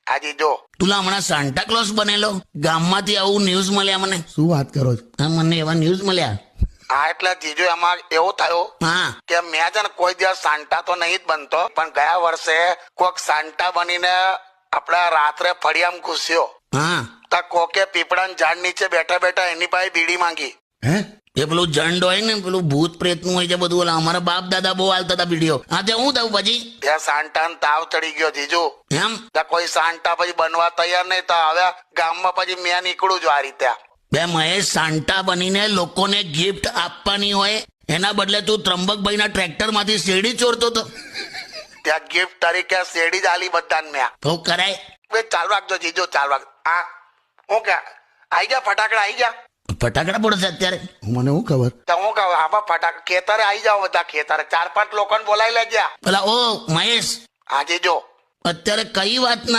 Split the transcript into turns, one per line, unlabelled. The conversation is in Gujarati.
આજે જો
તુલા હમણાં સાન્ટા ક્લોઝ બનેલો ગામમાંથી આવું ન્યૂઝ મળ્યા મને.
શું વાત કરો છો?
હા, મને એવા ન્યૂઝ મળ્યા.
હા એટલે જીજુ એમાં એવું થયું
હા
કે મેં છે ને કોઈ દિવસ સાન્ટા તો નહીં જ બનતો, પણ ગયા વર્ષે કોક સાન્ટા બનીને આપડા રાત્રે ફળિયામાં ઘૂસ્યો.
હા
તો કોકે પીપળાના ઝાડ નીચે બેઠા બેઠા એની પાસે બીડી માંગી.
હે?
એ પેલું જંડ હોય ને, પેલું ભૂત પ્રેત નું હોય છે બધું. ઓલા અમારા બાપ દાદા બહુ હાલતા હતા વિડીયો. હા તે હું થયું પછી?
ત્યાં સાન્ટાને તાવ ચડી ગયો જીજુ.
એમ
ત્યાં કોઈ સાન્ટા પછી બનવા તૈયાર નહીં, તો હવે ગામમાં પછી મેં નીકળું છું આ રીતે.
બે મહેશ, સાન્ટા બનીને લોકોને ગિફ્ટ આપવાની હોય એના બદલે તું ત્રંબકભાઈના ટ્રેક્ટર માંથી શેરડી ચોરતો હતો.
ત્યાં ગિફ્ટ તરીકે શેરડી જ આલી બધાને મેં.
તો કરાય.
બે ચાલુ રાખજો જીજુ, ચાલુ રાખ. હા હું કે આઈ ગયા ફટાકડા આવી ગયા?
ફટાકડા પડશે અત્યારે.
મને શું ખબર?
તો હું કહું આમાં ફટાકડા ખેતરે આવી જાઓ બધા, ખેતરે 4-5 લોકોને બોલાવી લેજે.
પેલા ઓ મહેશ,
હા જીજુ.
અત્યારે કઈ વાત